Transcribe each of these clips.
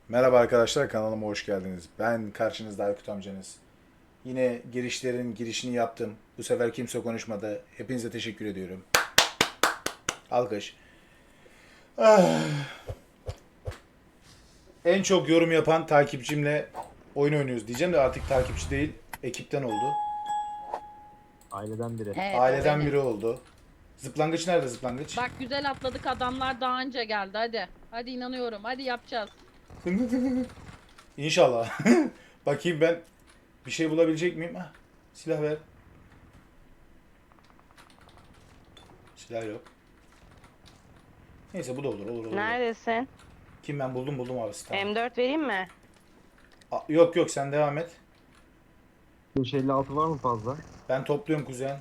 Merhaba arkadaşlar, kanalıma hoş geldiniz. Ben karşınızda Aykut amcanız. Yine girişini yaptım. Bu sefer kimse konuşmadı. Hepinize teşekkür ediyorum. Alkış. En çok yorum yapan takipçimle oyun oynuyoruz diyeceğim de artık takipçi değil, ekipten oldu. Aileden biri. Evet, o Aileden benim. biri oldu. Zıplangıç nerede zıplangıç? Bak güzel atladık, adamlar daha önce geldi, hadi. Hadi inanıyorum, hadi yapacağız. İnşallah. Bakayım ben bir şey bulabilecek miyim? Hah, silah ver. Silah yok. Neyse bu da olur. Neredesin? Kim ben buldum abi tamam. M4 vereyim mi? Yok sen devam et. 556 var mı fazla? Ben topluyorum kuzen.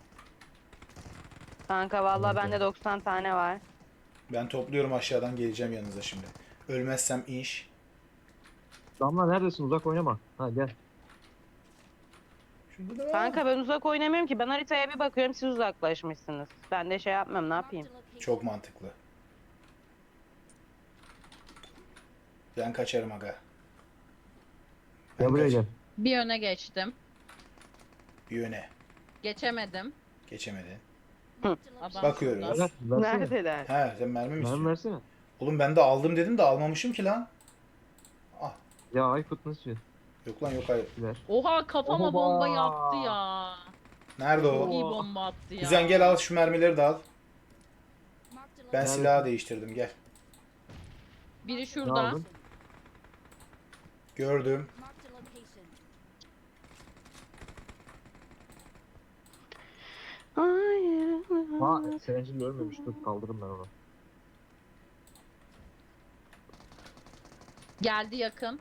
Kanka vallahi Tamam, bende 90 tane var. Ben topluyorum aşağıdan geleceğim yanınıza şimdi. Ölmezsem iş. Damla neredesin? Uzak oynama. Ha gel. Şurada da var. Kanka ben uzak oynamıyorum ki. Ben haritaya bir bakıyorum, siz uzaklaşmışsınız. Ben de şey yapmam, ne yapayım? Çok mantıklı. Ben kaçarım aga. Gel buraya gel. Bir öne geçtim. Bir yöne. Geçemedim. Geçemedi. Adam Bakıyoruz. şurada. Ver, versene. Neredeler? He sen mermi mi Mermi istiyorsun? versene. Oğlum ben de aldım dedim de almamışım ki lan. Ah. Ya Aykut nasıl? Yok lan yok hayır. Ver. Oha, kafama Oba! bombayı attı ya. Nerede Çok o? iyi bomba attı ya. Kuzen gel al şu mermileri de al. Ben Nerede? silahı değiştirdim gel. Biri Ne şurada. aldın? Gördüm. Hayır. Ha Serencil ölmemiş. Dur kaldırırım ben onu. Geldi yakın.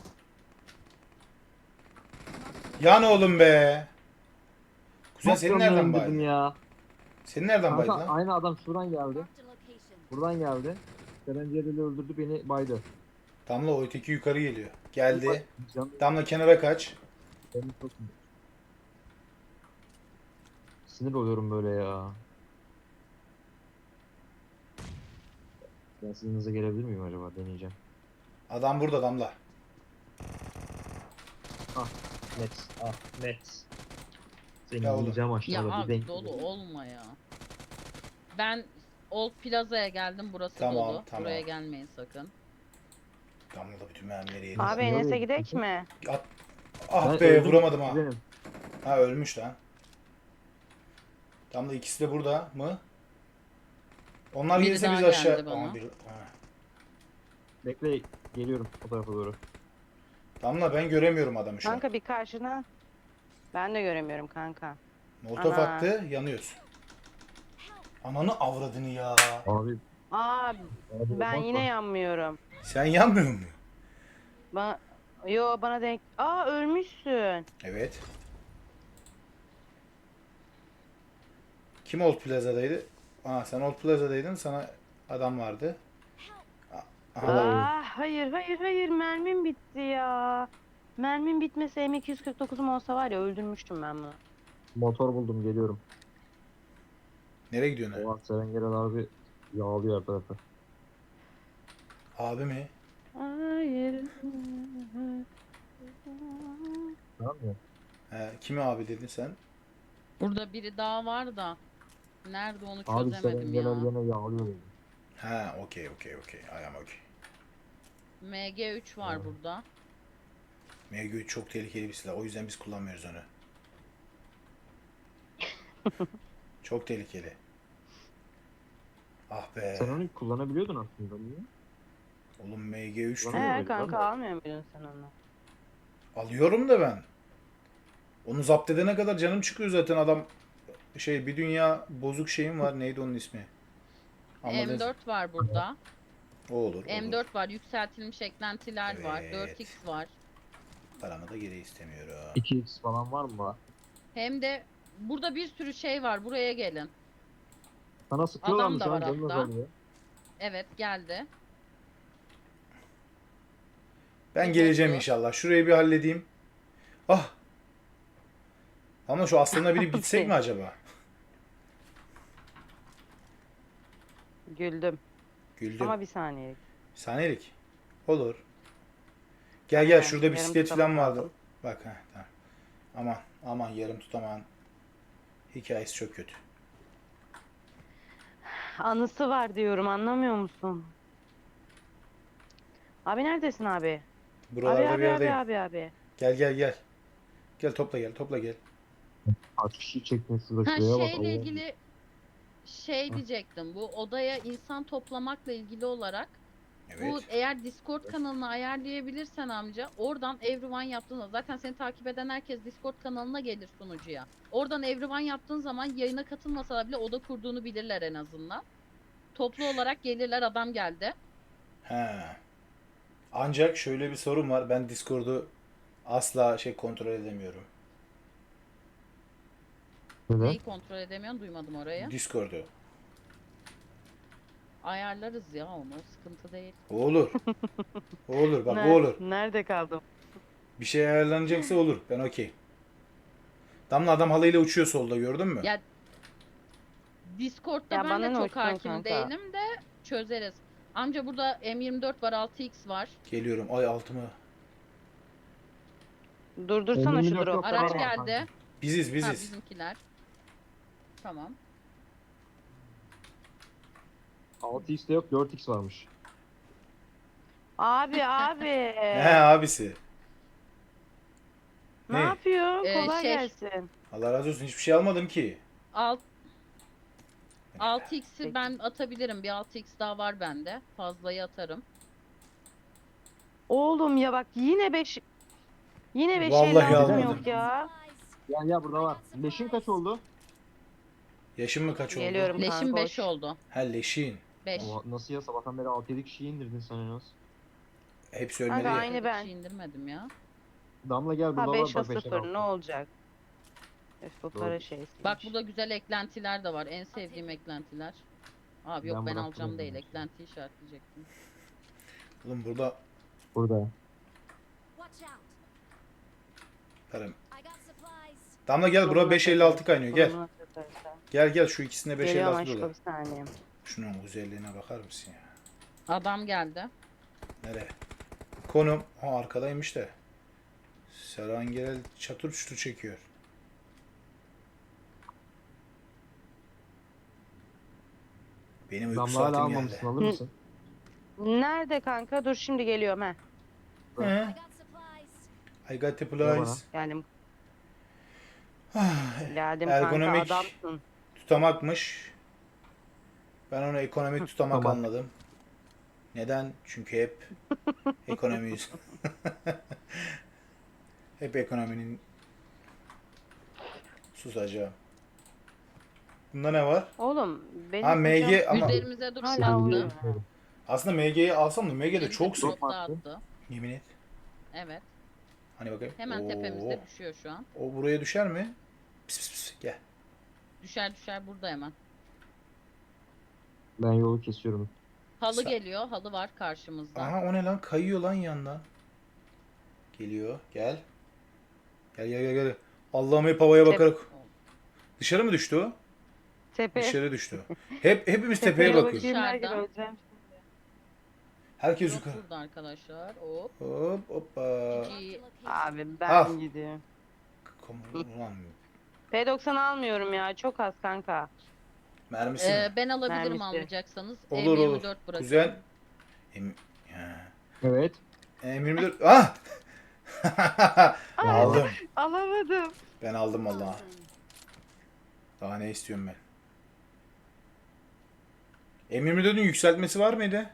Yan oğlum be. Kuzen Nasıl senin nereden dedim baydın? ya. Senin nereden baydın Kanka lan? aynı adam şuradan geldi. Buradan geldi. Serencil'i öldürdü beni baydı. Damla o öteki yukarı geliyor. Geldi. Canım Damla kenara kaç. benim çok sinir oluyorum böyle ya. Ben sizin hızla gelebilir miyim acaba? Deneyeceğim. Adam burada Damla. Net. Ah net. Seni Ya oğlum. yiyeceğim Ya aşağıda bir abi denk. dolu olma ya. Ben Old Plaza'ya geldim, burası Tamam, dolu. tamam. Buraya gelmeyin sakın. Damla da bütün mermileri yedi. Abi Niye Enes'e öyle gidek yapıyorsun? mi? Ah Ben be öldüm, vuramadım ha. benim. Ha ölmüş lan. Damla ikisi de burada mı? Onlar Biri gelirse biz daha aşağı... geldi bana. Aa, ha. Bekle geliyorum o tarafa doğru. Damla ben göremiyorum adamı şu an. Kanka bir karşına. Ben de göremiyorum kanka. Molotof Ana. attı yanıyoruz. Ananı avradını ya. Abi, Aa, abi ben bakma. yine yanmıyorum. Sen yanmıyor musun? Yo bana denk. Aa, ölmüşsün. Evet. Kim Old Plaza'daydı? Aa sen Old Plaza'daydın, sana adam vardı. Aha, bak. Aa, hayır mermim bitti ya. Mermim bitmese M249'um olsa var ya, öldürmüştüm ben bunu. Motor buldum geliyorum. Nereye gidiyorsun? Oha Serengeren abi yağlıyor her tarafı. Abi mi? Hayır. Tamam mı? Kimi abi dedin sen? Burada biri daha var da. Nerede onu Abi çözemedim Serengeren ya. gene yağlıyor dedi. Ha okey. I am okay. MG3 var Evet. burada. MG3 çok tehlikeli bir silah. O yüzden biz kullanmıyoruz onu. Çok tehlikeli. Ah be. Sen onu kullanabiliyordun aslında niye? Oğlum MG3 Ulan diyor. öyle Kanka lan. almıyor muydun sen onu? Alıyorum da ben. Onu zapt edene kadar canım çıkıyor zaten adam. Bir dünya bozuk şeyim var. Neydi onun ismi? Anladınız. M4 var burada. O olur. M4 var, yükseltilmiş eklentiler var, Evet. 4x var. Paramı da geri istemiyorum. 2x falan var mı? Hem de burada bir sürü şey var, buraya gelin. Sana sıkıyorlar Adam mı da şu an? var Canın hatta. azalıyor. Evet, geldi. Ben Bir geleceğim bozdu. inşallah. Şurayı bir halledeyim. Ah. Ama şu aslana binip gitsek mi acaba? Güldüm. Güldüm. Ama bir saniye. Saniyelik. Olur. Gel Aynen, şurada yarım bisiklet tutamak falan vardı. lazım. Bak tamam. Aman yarım tutamağın hikayesi çok kötü. Anısı var diyorum, anlamıyor musun? Abi neredesin abi? Abi Buralarda bir abi abi yerdeyim. abi abi. Gel. Gel topla gel. Kaç kişi çekmişsiniz Ha şuraya bak şeyle Allah'ım. ilgili şey Heh. diyecektim. Bu odaya insan toplamakla ilgili olarak bu Evet. eğer Discord kanalını ayarlayabilirsen amca oradan Everyone yaptığında zaten seni takip eden herkes Discord kanalına gelir sunucuya. Oradan Everyone yaptığın zaman yayına katılmasalar bile oda kurduğunu bilirler en azından. Toplu olarak gelirler adam geldi. He. Ancak şöyle bir sorun var. Ben Discord'u asla kontrol edemiyorum. Neden? Neyi kontrol edemiyorsun duymadım orayı. Discord'u. Ayarlarız ya onu sıkıntı değil. O olur. O olur. Bak o olur. Nerede kaldım? Bir şey ayarlanacaksa olur. Ben okey. Damla adam halıyla uçuyor solda gördün mü? Ya Discord'da Ya ben bana de ne çok uçtun hakim kanka? değilim de çözeriz. Amca burada M24 var 6x var. Geliyorum. Ay altımı. Durdursana şu 54 yok, dropları. Araç Tamam, geldi. kanka. Biziz. Ha bizimkiler. Tamam. 6x de yok 4x varmış. Abi He abisi. ne Ne? yapıyor? Kolay Şey- gelsin. Allah razı olsun. Hiçbir şey almadım ki. Alt 6x'i Peki. ben atabilirim. Bir 6x daha var bende. Fazlayı atarım. Oğlum ya bak yine 5 Vallahi lazım almadım. yok ya. Ya burada var. Leşin kaç oldu? Yaşın mı kaç oldu? Geliyorum Leşim kanka. 5 hoş. oldu. Ha leşin. 5. Nasıl ya sabahtan beri 6-7 kişiyi indirdin sen en az. Hepsi ölmedi Kanka ya. aynı ben. indirmedim ya. Damla gel burada Ha var 5 bak o 5'ten 0 ne 6. olacak? Öf bu Doğru. para şeysi. Bak burada güzel eklentiler de var. En sevdiğim eklentiler. Abi yok Ben ben bıraktım alacağım onu. değil. Eklentiyi işaretleyecektim. Oğlum burada Burada. Tarım. Damla gel bura 5.56 kaynıyor gel. Gel şu ikisinde Geliyorum 5.56 aşkım dolar. bir saniye. Şunun güzelliğine bakar mısın ya? Adam geldi. Nereye? Konum. Arkadaymış da. Serangel çatır çutur çekiyor. Benim uyku Damla hala saatim geldi. almamışsın alır mısın? Nerede kanka? Dur şimdi geliyorum he. He? I got the Ver bana. supplies. Geldim. Ah, Geldim Ergonomik. kanka adamsın. Tutamakmış. Ben onu ekonomik tutamak Tutamak. anladım. Neden? Çünkü hep ekonomiyiz. Hep ekonominin susacağım. Bunda ne var? Oğlum benim Ha MG hocam ama Üzerimize dur hala attı. uyuyor. aslında MG'yi alsam da MG de Elimize çok bir sık. drop daha attı. Yemin et. Evet. Hani bakayım. Hemen Oo. tepemizde düşüyor şu an. O buraya düşer mi? Pis pis pis. Gel. Düşer burada hemen. Ben yolu kesiyorum. Halı Sa- geliyor. Halı var karşımızda. Aha o ne lan? Kayıyor lan yandan. Geliyor. Gel. Gel. Allah'ım hep havaya bakarak. Dışarı mı düştü o? Tepe. Dışarı düştü. Hepimiz tepeye Tepeye bakıyoruz. bakayım derken Dışarıda. öleceğim. Herkes Yok yukarı. burada arkadaşlar. Hop. Hoppa. GG. Abi ben Al. gidiyorum. Ulan P90 almıyorum ya çok az kanka. mermisi mi? Ben alabilirim Mermisi. almayacaksanız. Olur M24 olur. bırakıyorum. Güzel. Ya. Evet. M24. Ah! Aldım. Alamadım. Ben aldım vallahi. Daha ne istiyorum ben? M24'ün yükseltmesi var mıydı?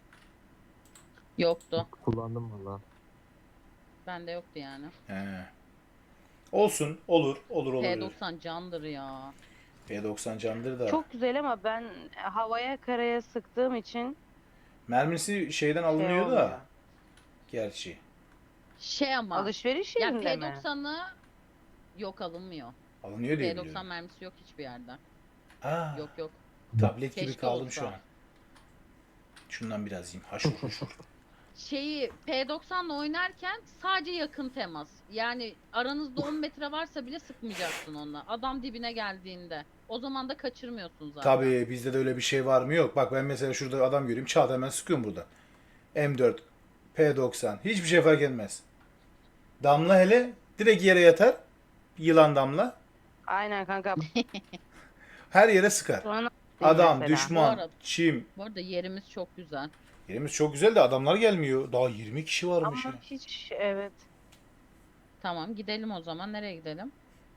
Yoktu. Kullandım valla. Bende yoktu yani. He. Olsun. Olur. P90 candır ya. P90 candır da. Çok güzel ama ben havaya karaya sıktığım için Mermisi şeyden alınıyor olmuyor. da. Gerçi. Şey ama. Alışveriş Ya yerinde mi? P90'ı yok alınmıyor. Alınıyor diye P90 biliyorum. mermisi yok hiçbir yerde. Aa, Yok. tablet gibi Keşke kaldım olsa. şu an. Şundan biraz yiyeyim. Haşur huşur. Şeyi P90'la oynarken sadece yakın temas. Yani aranızda 10 metre varsa bile sıkmayacaksın onunla. Adam dibine geldiğinde. O zaman da kaçırmıyorsun zaten. Tabii bizde de öyle bir şey var mı? Yok. Bak ben mesela şurada adam göreyim. Çat hemen sıkıyorum burada. M4. P90. Hiçbir şey fark etmez. Damla hele direkt yere yatar. Yılan Damla. Aynen kanka. Her yere sıkar. Şu an Adam, mesela. düşman, Bu arada- çim. Bu arada yerimiz çok güzel. Yerimiz çok güzel de adamlar gelmiyor. Daha 20 kişi varmış Ama ya. hiç evet. Tamam gidelim o zaman. Nereye gidelim?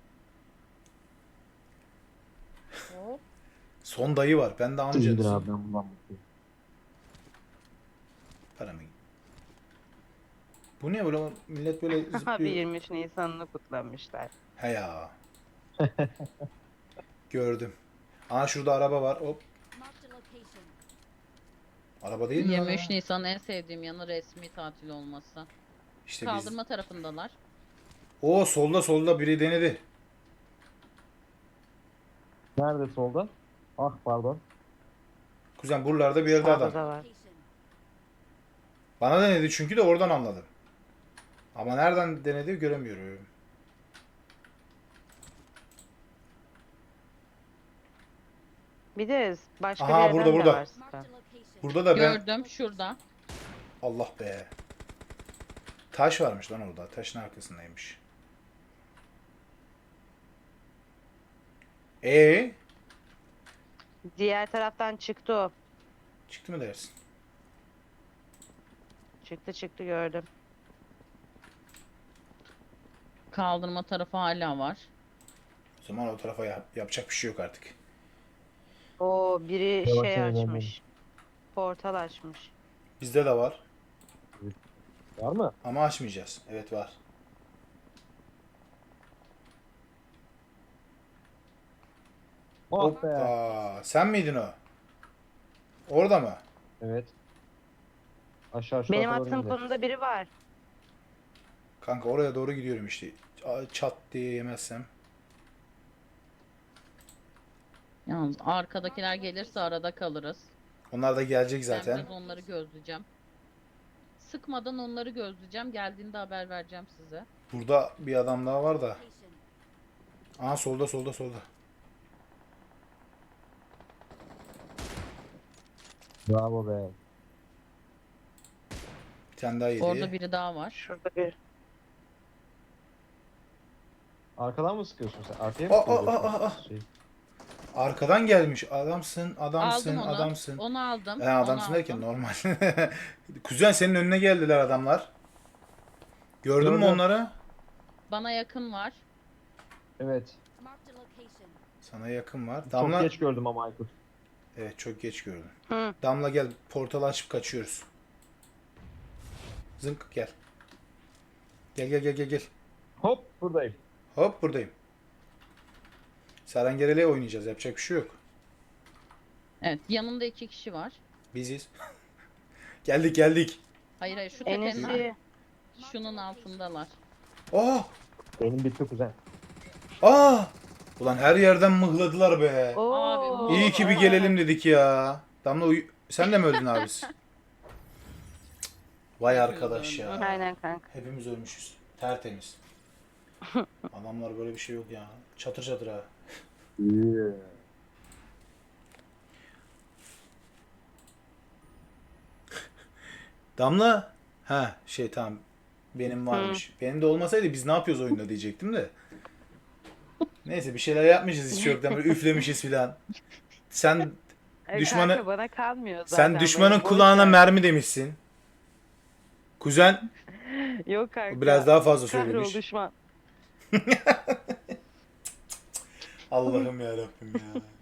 Hop. Son dayı var. Ben de İyidir amcanızım. abi ben bundan mutluyum. Paramı. Bu ne böyle millet böyle Abi zıplıyor. 23 Nisan'ını kutlamışlar. He ya. Gördüm. Aa şurada araba var. Hop. Araba değil mi lan 23 o? Nisan'ın en sevdiğim yanı resmi tatil olması. İşte biz. Kaldırma tarafındalar. O solda biri denedi. Nerede solda? Ah pardon. Kuzen buralarda bir yerde Sağda adam. da var. Bana denedi çünkü de oradan anladım. Ama nereden denedi göremiyorum. Bir de başka Aha, bir yerden burada, de burada. var sıkan. Burada da ben... Gördüm şurada. Allah be. Taş varmış lan orada. Taşın arkasındaymış. Diğer taraftan çıktı o. Çıktı mı dersin? Çıktı gördüm. Kaldırma tarafı hala var. O zaman o tarafa yapacak bir şey yok artık. O biri Yavaş şey yavaş açmış. Portal açmış. Bizde de var. Var mı? Ama açmayacağız. Evet var. Oh be. Hoppa. Sen miydin o? Orada mı? Evet. Aşağı şu Benim tarafa doğru attığım indi. konumda biri var. Kanka oraya doğru gidiyorum işte. Çat diye yemezsem. Yalnız arkadakiler gelirse arada kalırız. Onlar da gelecek Ben zaten. biraz onları gözleyeceğim. Sıkmadan onları gözleyeceğim. Geldiğinde haber vereceğim size. Burada bir adam daha var da. Aa solda. Bravo be. Bir tane daha yedi. Orada biri daha var. Şurada bir. Arkadan mı sıkıyorsun sen? Arkaya mı Aa, sıkıyorsun? aa. Arkadan gelmiş. Adamsın. Aldım onu. Adamsın. Onu aldım. Adamsın onu derken aldım. normal. Kuzen senin önüne geldiler adamlar. Gördün mü Gördüm. onları? Bana yakın var. Evet. Sana yakın var. Çok Damla. geç gördüm ama Aykut. Evet çok geç gördüm. Hı. Damla gel. Portal açıp kaçıyoruz. Zınk gel. Gel. Hop buradayım. Hop buradayım. Sarengerele oynayacağız. Yapacak bir şey yok. Evet yanında 2 kişi var. Biziz. Geldik. Hayır şu tepenin Enes'i şunun altındalar. Aa! Benim bitti kuzen. Aa! Ulan her yerden mıhladılar be. Oo. İyi ki bir gelelim dedik ya. Damla sen de mi öldün abisi? Vay arkadaş ya. Aynen kanka. Hepimiz ölmüşüz. Tertemiz. Adamlar böyle bir şey yok ya. Çatır çatır ha. Damla. Ha tamam. Benim varmış. Benim de olmasaydı biz ne yapıyoruz oyunda diyecektim de. Neyse bir şeyler yapmışız hiç yoktan böyle üflemişiz filan. Sen Düşmanı- Kanka bana kalmıyor zaten. sen düşmanın böyle boş kulağına ver. mermi demişsin. Kuzen Yok kanka. biraz daha fazla Kahrol söylemiş. düşman. Allah'ım ya Rabbim ya.